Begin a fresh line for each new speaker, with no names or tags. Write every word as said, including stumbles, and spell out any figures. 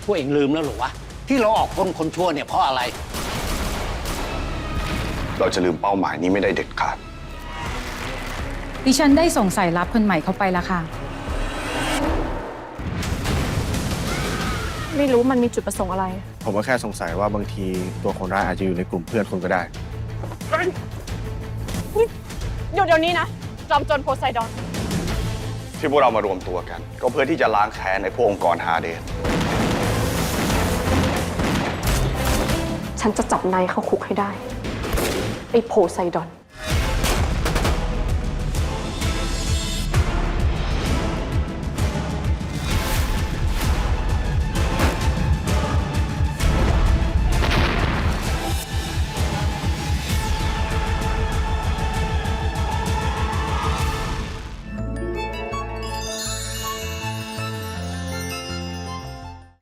พวกเองลืมแล้วหรอวะที่เราออกคนคนชั่วเนี่ยเพราะอะไร
เราจะลืมเป้าหมายนี้ไม่ได้เด็ดขาด
ดิฉันได้ส่งสายลับคนใหม่เข้าไปแล้วค่ะ
ไม่รู้มันมีจุดประสงค์อะไร
ผมก็แค่สงสัยว่าบางทีตัวคนร้ายอาจจะอยู่ในกลุ่มเพื่อนคุณก็ได้
หยุดเดี๋ยวนี้นะจอมโจรโพไซดอน
ที่พวกเรามารวมตัวกันก็เพื่อที่จะล้างแค้นในพวกองค์กรฮาเดส
ฉันจะจับนายเข้าคุกให้ได้ไอ้โพไซดอน